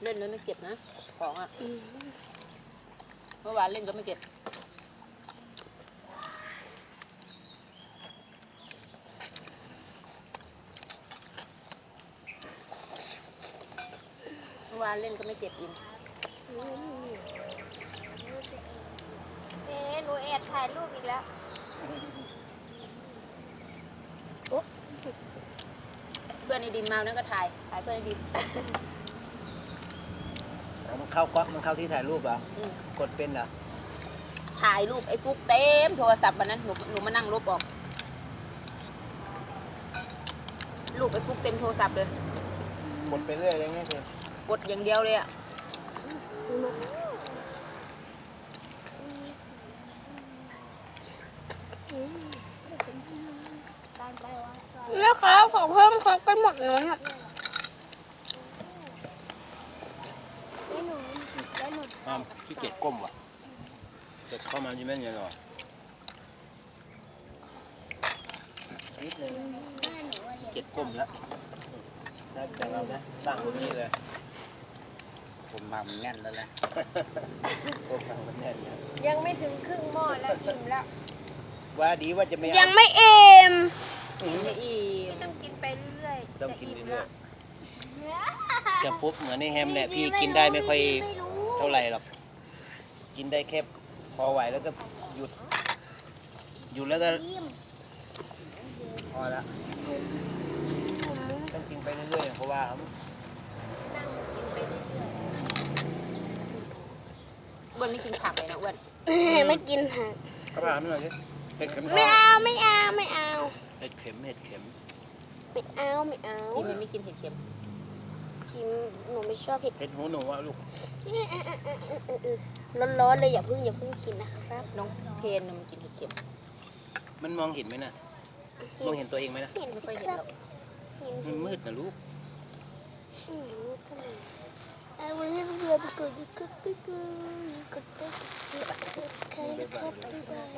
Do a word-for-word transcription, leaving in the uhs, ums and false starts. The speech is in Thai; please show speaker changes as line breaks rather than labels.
เล่นแล้วไม่เก็บนะของอ่ะเมื่อวานเล่นก็ไม่เก็บเมื่อวานเล่นก็ไม่เก็บอิน
เอ๊ะหนูแอบถ่ายรูปอีกแล้ว
เพื่อนไอ้ดิมมาแล้วก็ถ่ายถ่ายเพื่อนไอ้ดิม
มันเข้าก๊อกมันเข้าที่ถ่ายรูปเหรอ
อืม
กดเป็นเหรอ
ถ่ายรูปไอ้ฟุกเต็มโทรศัพท์วันนั้นหนูหนูมานั่งลบออกรูปไอ้ฟุกเต็มโทรศัพท์เลย
กดไปเรื่อยอะไรเงี้ยคือก
ดอย่างเดียวเลยอ่ะแล้วครับของเพิ่มครบกันหมดเลยอ่ะ
อ้าวขี้เกียจก้มว่ะเกิดเข้ามาใช่ไหมเนี่ยหรอนิดนึงเกียจก้มแล้วได้แต่เรานะตั้งตรงนี้เลย
ผมมามันแน่นแล้วแหละ
ก้มตั้งมันแน่นนะ
ยังไม่ถึงครึ่งหม้อแล้วอิ่มแล้ว
ว่าดีว่าจะไม่
ยังไม่เอ็มไม่อีม
ต้องกินไปเรื่อยๆ
ต้องกิน
จะม
เรื่อ
แล้
ยวๆจะปุ๊บเหมือนในแฮมเนี่ยพี่กินได้ไม่ค่อยเท่าไหร่หรอกกินได้แค่พอไหวแล้วก็หยุดหยุดแล้วก็พอละต้องกินไปเรื่อยๆเพราะว่า
นั่งกินไปเรื่อย
อ้วนไม่กินผักเลยนะอ้วน
ไม่กินค่ะ
เขาถามหน่อยสิเห็ดเข็มท
ไม่
อง
เอาไม่เอาไม่เอา
เห็ดเข็มเห็ดเข็ม
ไม่เอาไม่เอา
กินมันไม่กินเห็ดเข็ม
คิมหนูไม่ชอบเผ็ด
เห็ดหูหนูอะลูก
ร้อนๆเลยอย่าเพิ่งอย่าเพิ่งกินนะครับ
น้องเทนน่ะมันกินเห็ดเข็ม
มันมองเห็นไหมนะมองเห็นตัวเองไหมนะ
เห็น
ไม่
สิ
ค่อยเห็น
ครั
หร
บอก เห็น
มันมืดนะลูก
อืมมืดทำไมเอาไว้ให้เพื่อนไปกดกดไปกดกดไปกดใครนะครับบ๊ายบาย